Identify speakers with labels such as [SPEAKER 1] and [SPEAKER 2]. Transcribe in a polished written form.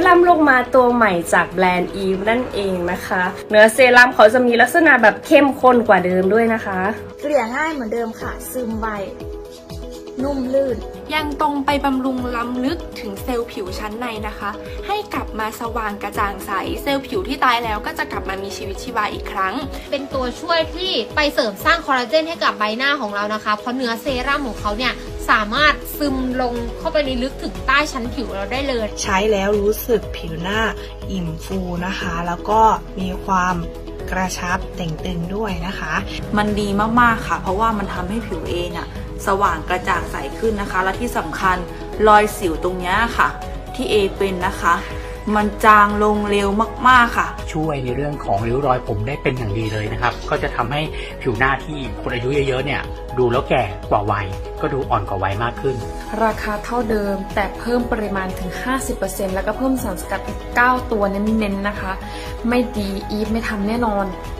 [SPEAKER 1] รั่มลงมาตัวใหม่จากแบรนด์อีฟนั่นเองนะคะเนื้อเซรั่มเขาจะมีลักษณะแบบเข้มข้นกว่าเดิมด้วยนะคะ
[SPEAKER 2] เกลี่ยง่ายเหมือนเดิมค่ะซึมไวนุ่มลื่น
[SPEAKER 3] ยังตรงไปบำรุงล้ำลึกถึงเซลล์ผิวชั้นในนะคะให้กลับมาสว่างกระจ่างใสเซลล์ผิวที่ตายแล้วก็จะกลับมามีชีวิตชีวาอีกครั้ง
[SPEAKER 4] เป็นตัวช่วยที่ไปเสริมสร้างคอลลาเจนให้กับใบหน้าของเรานะคะเพราะเนื้อเซรั่มของเขาเนี่ยสามารถซึมลงเข้าไปในลึกถึงใต้ชั้นผิวเราได้เลย
[SPEAKER 5] ใช้แล้วรู้สึกผิวหน้าอิ่มฟูนะคะแล้วก็มีความกระชับเต่งตึงด้วยนะคะ
[SPEAKER 6] มันดีมากๆค่ะเพราะว่ามันทำให้ผิวเองสว่างกระจ่างใสขึ้นนะคะและที่สำคัญรอยสิวตรงนี้ค่ะที่เอเป็นนะคะมันจางลงเร็วมากๆค่ะ
[SPEAKER 7] ช่วยในเรื่องของริ้วรอยผมได้เป็นอย่างดีเลยนะครับก็จะทำให้ผิวหน้าที่คนอายุเยอะๆเนี่ยดูแล้วแก่กว่าวัยก็ดูอ่อนกว่าวัยมากขึ้น
[SPEAKER 1] ราคาเท่าเดิมแต่เพิ่มปริมาณถึง 50% แล้วก็เพิ่มสารสกัดอีก9 ตัวเน้นๆนะคะไม่ดีอีฟไม่ทำแน่นอน